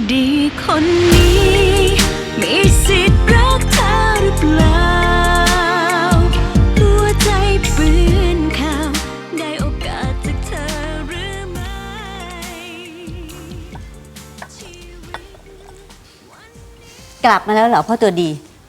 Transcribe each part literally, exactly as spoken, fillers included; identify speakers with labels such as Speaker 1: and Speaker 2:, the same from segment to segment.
Speaker 1: ดีคนนี้มีสิทธิ์รักเธอหรือเปล่าหัวใจปืนข่าวได้โอกาสจากเธอหรือไม่
Speaker 2: กลับมาแล้วเหรอพ่อตัวดี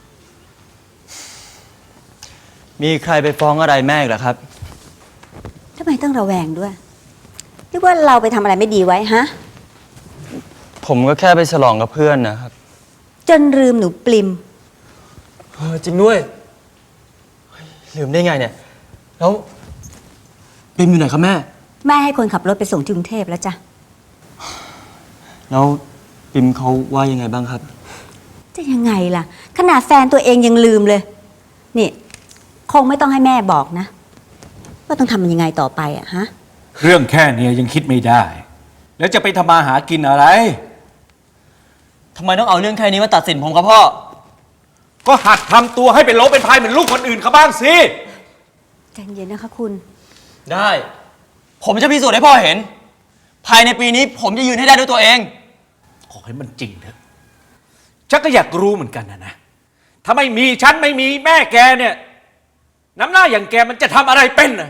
Speaker 3: มีใครไปฟ้องอะไรแม่อีกเหรอครับ
Speaker 2: ทำไมต้องระแวงด้วยหรือว่าเราไปทำอะไรไม่ดีไว้ฮะ
Speaker 3: ผมก็แค่ไปฉลองกับเพื่อนนะครับ
Speaker 2: จนลืมหนูปลิม
Speaker 3: เออจริงด้วยลืมได้ไงเนี่ยแล้วปลิมอยู่ไหนครับแม่
Speaker 2: แม่ให้คนขับรถไปส่งที่กรุงเทพแล้วจ้ะ
Speaker 3: แล้วปลิมเขาว่ายังไงบ้างครับ
Speaker 2: จะยังไงล่ะขนาดแฟนตัวเองยังลืมเลยนี่คงไม่ต้องให้แม่บอกนะว่าต้องทำมันยังไงต่อไปอะฮะ
Speaker 4: เรื่องแค่นี้ยังคิดไม่ได้แล้วจะไปทำมาหากินอะไร
Speaker 3: ทำไมต้องเอาเรื่องแค่นี้มาตัดสินผมครับพ่อ
Speaker 4: ก็หัดทำตัวให้เป็นโลเป็นพายเหมือนลูกคนอื่นเขาบ้างสิ
Speaker 2: ใจเย็นนะคะคุณ
Speaker 3: ได้ผมจะพิสูจน์ให้พ่อเห็นภายในปีนี้ผมจะยืนให้ได้ด้วยตัวเอง
Speaker 4: ขอให้มันจริงเถอะฉันก็อยากรู้เหมือนกันนะนะถ้าไม่มีฉันไม่มีแม่แกเนี่ยน้ำหน้าอย่างแกมันจะทำอะไรเป็นน่ะ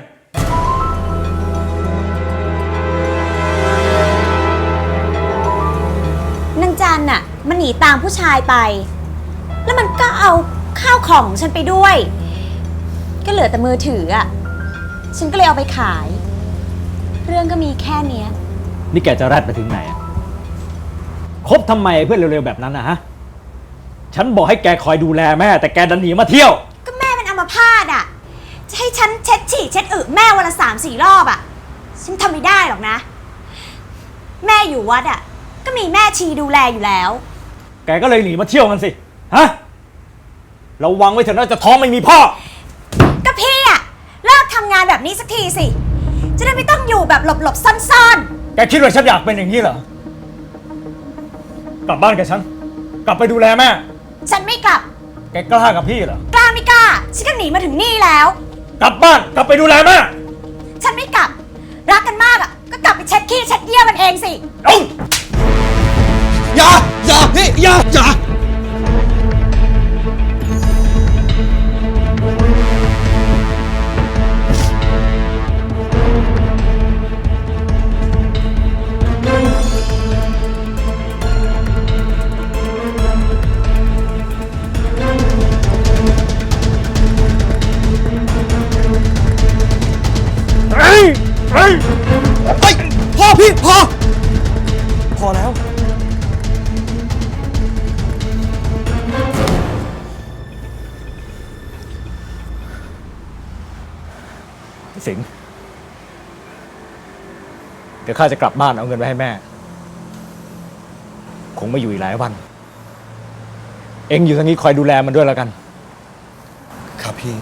Speaker 2: นางจันน่ะมันหนีตามผู้ชายไปแล้วมันก็เอาข้าวของฉันไปด้วยก็เหลือแต่มือถืออ่ะฉันก็เลยเอาไปขายเรื่องก็มีแค่เนี้ย
Speaker 5: นี่แกจะแรดไปถึงไหนอะคบทำไมเพื่อนเร็วๆแบบนั้นนะฮะฉันบอกให้แกคอยดูแลแม่แต่แกดันหนีมาเที่ยว
Speaker 2: ก็แม่เป็นอัมพาตอ่ะจะให้ฉันเช็ดฉี่เช็ดอึแม่วันละสามสี่รอบอ่ะฉันทำไม่ได้หรอกนะแม่อยู่วัดอ่ะก็มีแม่ชีดูแลอยู่แล้ว
Speaker 5: แกก็เลยหนีมาเที่ยวกันสิฮะระวังไว้เถอะนะจะท้องไม่มีพ่อ
Speaker 2: ก็พี่อ่ะเลิกทำงานแบบนี้สักทีสิจะได้ไม่ต้องอยู่แบบหลบๆซ่อน
Speaker 5: ๆแกคิดว่าฉันอยากเป็นอย่างนี้เหรอกลับบ้านกับฉันกลับไปดูแลแม่
Speaker 2: ฉันไม่กลับ
Speaker 5: แกกล้ากับพี่เหรอก
Speaker 2: ล้าไม่กล้าฉันก็หนีมาถึงนี่แล้ว
Speaker 5: กลับบ้านกลับไปดูแลแม่
Speaker 2: ฉันไม่กลับรักกันมากอ่ะก็กลับไปเช็ดขี้เช็ดเยี่ยวมันเองสิ
Speaker 5: เอ้า
Speaker 3: อย่าอย่านี่อย่าอย่า
Speaker 5: เฮ้ยเฮ้ย
Speaker 3: ไปพ่อพี่พอพอแล้ว
Speaker 5: สิงห์เดี๋ยวข้าจะกลับบ้านเอาเงินไปให้แม่คงไม่อยู่อีกหลายวันเอ็งอยู่ทางนี้คอยดูแลมันด้วยแล้วกัน
Speaker 3: ครับพี่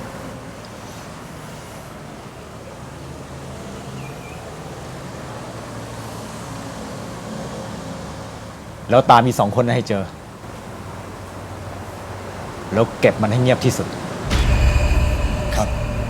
Speaker 5: แล้วตามีสองคนให้เจอแล้วเก็บมันให้เงียบที่สุด
Speaker 3: ครับ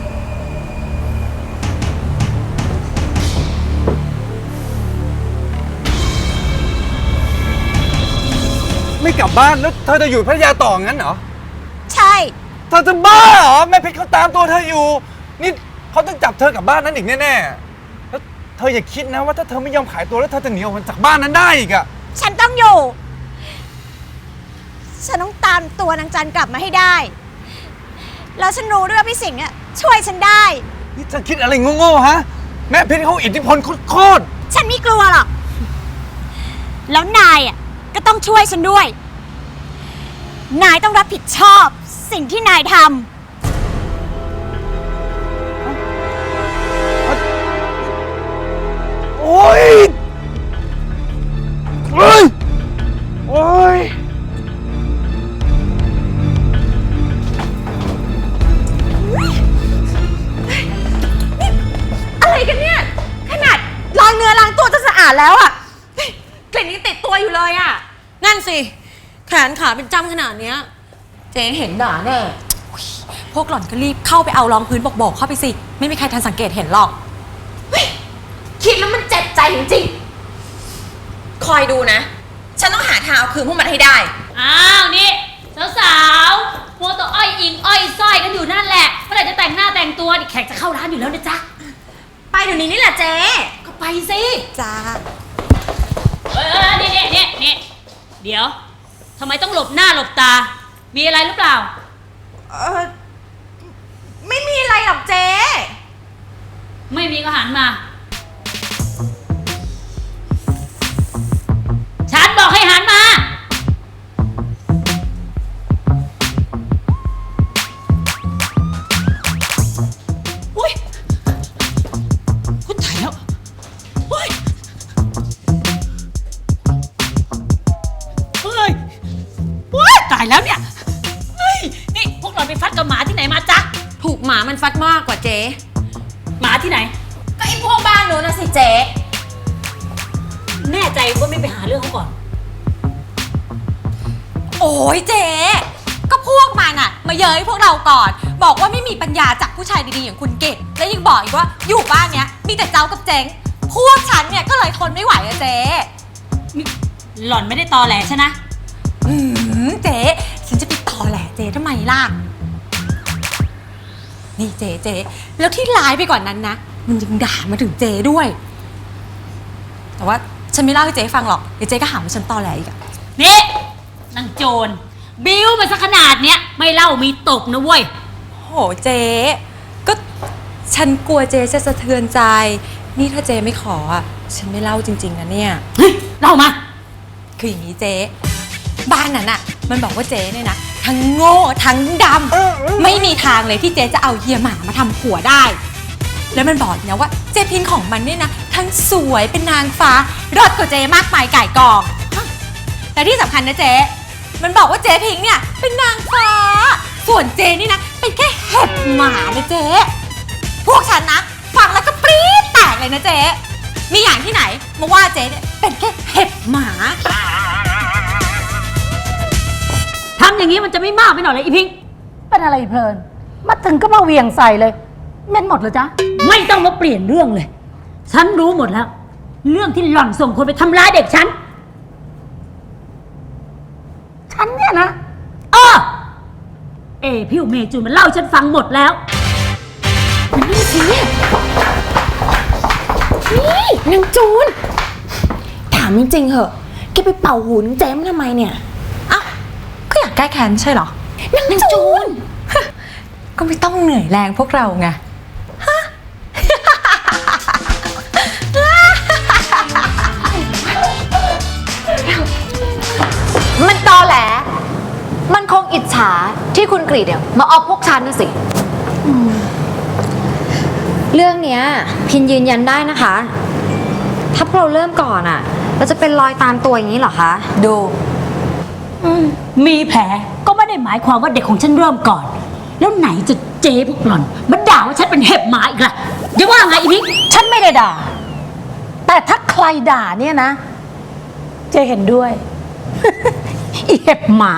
Speaker 3: ไม่กลับบ้านแล้วเธอจะอยู่พัทยาต่องั้นเหรอ
Speaker 2: ใช่
Speaker 3: เธอจะบ้าเหรอแม่เพชรเขาตามตัวเธออยู่นี่เขาต้องจับเธอกลับบ้านนั้นอีกแน่ๆแล้วเธออย่าคิดนะว่าถ้าเธอไม่ยอมขายตัวแล้วเธอจะหนีออกจากบ้านนั้นได้อีกอะ
Speaker 2: ฉันต้องอยู่ฉันต้องตามตัวนางจันกลับมาให้ได้แล้วฉันรู้ด้วยว่าพี่สิงห์อ่ะช่วยฉันได้
Speaker 3: นี่เธอคิดอะไรโง่ๆฮะแม่เพชรเขาอิทธิพลโคตร
Speaker 2: ฉันไม่กลัวหรอกแล้วนายอ่ะก็ต้องช่วยฉันด้วยนายต้องรับผิดชอบสิ่งที่นายท
Speaker 3: ำโอ๊ยโอ๊ยโอ๊ย
Speaker 2: อะไรกันเนี่ยขนาดล้างเนื้อล้างตัวจะสะอาดแล้วอ่ะกลิ่นยังติดตัวอยู่เลยอ่ะ
Speaker 6: นั่นสิแขนขาเป็นจ้ำขนาดเนี้ยเจ๊เห็นด่าแน่พวกหล่อนก็รีบเข้าไปเอารองพื้นบอกๆเข้าไปสิไม่มีใครทันสังเกตเห็นหรอกคิดแล้วมันเจ็บใจจริงๆคอยดูนะฉันต้องหา
Speaker 2: หาทางเอาคืนพวกมันให้ได้
Speaker 7: อ้าวนี่สาวๆมัวแต่อ้อยอิงอ้อยสร้อยกันอยู่นั่นแหละเมื่อไหร่จะแต่งหน้าแต่งตัวดิแขกจะเข้าร้านอยู่แล้วนะจ๊ะ
Speaker 2: ไปเดี๋ยวนี้นี่แหละเจ๊
Speaker 7: ก็ไปสิ
Speaker 2: จ้า
Speaker 7: เออนี่นี่นี่นี่เดี๋ยวทำไมต้องหลบหน้าหลบตา มีอะไรหรือเปล่า
Speaker 2: เออไม่มีอะไรหรอกเจ๊
Speaker 7: ไม่มีก็หันมา ฉันบอกให้หันมา อุ้ยกูตายแล้วอุ้ยเฮ้ยว้ายตายแล้วเนี่ย เฮ้ย นี่พวกเราไปฟัดกับหมาที่ไหนมาจ๊ะ
Speaker 2: ถูกหมามันฟัดมากกว่าเจ๊
Speaker 7: หมาที่ไหน
Speaker 2: ก็ไอ้พวกบ้านนู้นนะสิเจ๊
Speaker 7: แน่ใจว่าไม่ไปหาเรื่องเขาก่อน
Speaker 2: โอ้ยเจ๊ก็พวกมันอะมาเย้ยพวกเราก่อน บอกว่าไม่มีปัญญาจากผู้ชายดีๆอย่างคุณเกดและยังบอกอีกว่าอยู่บ้านเนี้ยมีแต่เจ้ากับเจ๊งพวกฉันเนี่ยก็เลยทนไม่ไหวอะเจ๊
Speaker 7: หล่อนไม่ได้ตอแหลใช่นะ
Speaker 2: อืมเจ๊ฉันจะไปต่อแหละเจ๊ทำไมล่ะนี่เจ๊เจ๊แล้วที่ร้ายไปกว่านนั้นนะมันยังด่ามาถึงเจ๊ด้วย แต่ว่าฉันไม่เล่าให้เจ๊ฟังหรอกเดี๋ยวเจ๊ก็หาว่าฉันตอแหลอีกอะ
Speaker 7: นี่นางโจรบิ้วมาสักขนาดเนี้ยไม่เล่ามีตบนะเว้ย
Speaker 2: โหเจ๊ก็ฉันกลัวเจ๊จะสะเทือนใจ นี่ถ้าเจ๊ไม่ขออ่ะฉันไม่เล่าจริงๆนะเนี่ย
Speaker 7: เฮ้ย เล่ามา
Speaker 2: คืออย่างนี้เจ๊บ้านนั้นอ่ะมันบอกว่าเจ๊เนี่ยนะทั้งโง่ทั้งดำไม่มีทางเลยที่เจ๊จะเอาเฮียหมามาทำผัวได้ แล้วมันบอกนะว่าเจ๊พิงของมันเนี่ยนะทั้งสวยเป็นนางฟ้ารอดกว่าเจ๊มากมายก่ายกองแต่ที่สำคัญนะเจ๊มันบอกว่าเจ๊พิงเนี่ยเป็นนางฟ้า ส่วนเจ๊นี่นะเป็นแค่เห็บหมานะเจ๊พวกฉันนะฟังแล้วก็ปรี๊ดแตกเลยนะเจ๊มีอย่างที่ไหนมาว่าเจ๊เนี่ยเป็นแค่เห็บหมา
Speaker 7: ทำอย่างนี้มันจะไม่มากไปหน่อยเลยอีพิง
Speaker 8: เป็นอะไรเพลิน มาถึงก็มาเหวี่ยงใส่เลยเม่นหมดเลยจ๊ะ
Speaker 7: ไม่ต้องมาเปลี่ยนเรื่องเลย ฉันรู้หมดแล้ว เรื่องที่หล่อนส่งคนไปทำร้ายเด็กฉัน
Speaker 8: ฉันเนี่ยนะ
Speaker 7: เออ เอพี่เมจูนมันเล่าให้ฉันฟังหมดแล้ว
Speaker 2: นี่สินี่นางจูนถามจริงๆเหอะแกไปเป่าหูนางเจมทำไมเนี่ยอ้าวก็อยากแก้แค้นใช่เหรอนางจูน ก็ไม่ต้องเหนื่อยแรงพวกเราไงฮะ
Speaker 9: มันตอแหล มันคงอิจฉาที่คุณกรีดเนี่ยมาเอาพวกฉันนะสิ เรื่องเนี้ยพินยืนยันได้นะคะ ถ้าพวกเราเริ่มก่อนอะ่ะ เราจะเป็นรอยตามตัวอย่างนี้เหรอคะ
Speaker 2: ดู
Speaker 7: มีแผลก็ไม่ได้หมายความว่าเด็กของฉันเริ่มก่อน แล้วไหนจะเจ๊พวกหล่อนมันด่าว่าฉันเป็นเห็บหมาอีกล่ะเดี๋ยวว่าไงอีพิง
Speaker 8: ฉันไม่ได้ด่า แต่ถ้าใครด่าเนี่ยนะ เจะเห็นด้วย อีเห็บหมา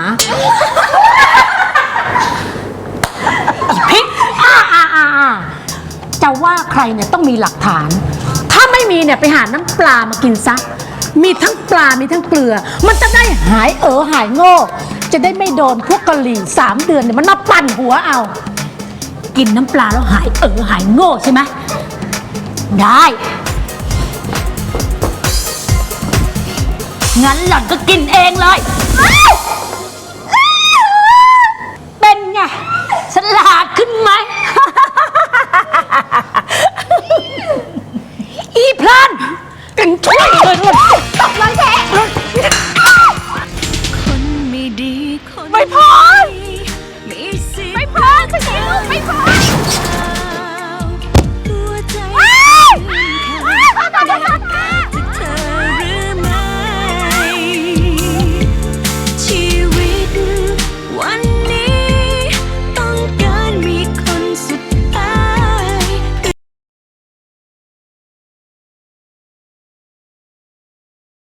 Speaker 8: อีพิกอ่าอ่าอ่าอ่าจะว่าใครเนี่ยต้องมีหลักฐาน ถ้าไม่มีเนี่ยไปหาน้ำปลามากินซะ มีทั้งปลา มีทั้งเกลือ มันจะได้หายเออหายโง่ จะได้ไม่โดนพวกกะหรี่สามเดือนเนี่ยมันมาปั่นหัวเอา
Speaker 7: กินน้ำปลาแล้วหายเออหายโง่ใช่ไหมได้ งั้นหล่อนก็กินเองเลย เป็นไงฉลาดขึ้นไหม